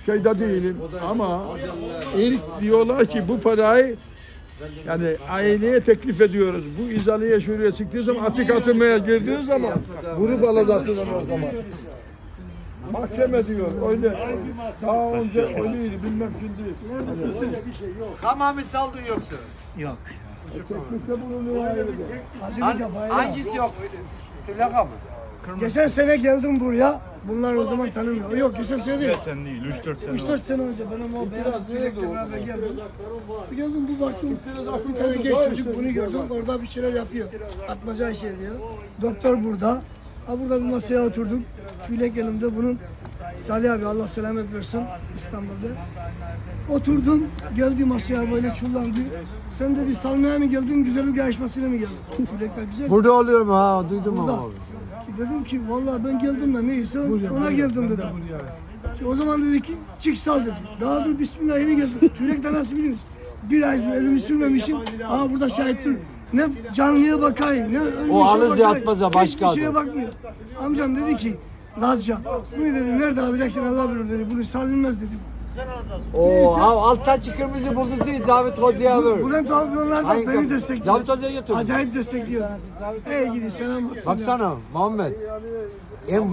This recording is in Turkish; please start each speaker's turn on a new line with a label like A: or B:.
A: şeyde değilim ama ilk diyorlar ki bu parayı yani aileye teklif ediyoruz. Bu izaleye şuraya çıktığı zaman açık atılmaya girdiği zaman vurup alacaksın onu o zaman. Mahkeme diyor öyle. Daha önce öyleydi bilmem şimdi.
B: Hamami saldın yoksa?
C: Yok.
A: Teklifte bulunuyor ailede.
B: Hangisi yok? Tülaka mı?
C: Geçen sene geldim buraya. Bunlar o zaman tanımıyor. Yok geçen sene değil.
D: Sen değil, 3-4 sene
C: 3-4 sene önce benim o beyaz tüyekle beraber geldim. Geldim bu baktım bir tane genç çocuk bunu gördüm orada bir şeyler yapıyor. Atmaca işi ediyor. Doktor burada. Ha burada bir masaya oturduk. Tüylek elimde bunun. Salih abi Allah selamet versin İstanbul'da. Oturdum geldi masaya böyle çullandı. Sen dedi salmaya mı geldin güzellik yarışmasıyla mı geldin? Tüylekler güzel.
B: Burada oluyor mu ha? Duydum
C: Burada.
B: ama abi.
C: Dedim ki vallahi ben geldim de neyse ona geldim dedim. O zaman dedi ki çık sal dedi. Daha dur bismillah yeni geldim. Tüyrekten nasıl biliyorsun? Bir ay elimi sürmemişim. Aa burada şahit dur. Ne canlıya bakayım ne ölmüşe
B: O alınca
C: bakayım.
B: atmaza başka
C: Hiçbir şeye
B: adam.
C: bakmıyor. Amcam dedi ki Lazca. Bunu dedi nerede alacaksın Allah bilir dedi. Bunu salınmaz dedim.
B: Oo, ha altta kırmızı buldu değil David Hoca'ya ver.
C: Bülent abi onlar da
B: Hangi
C: beni
B: kapı?
C: destekliyor.
B: David Hoca'ya götür.
C: Acayip destekliyor. Ey gidi selam olsun.
B: Baksana Muhammed. En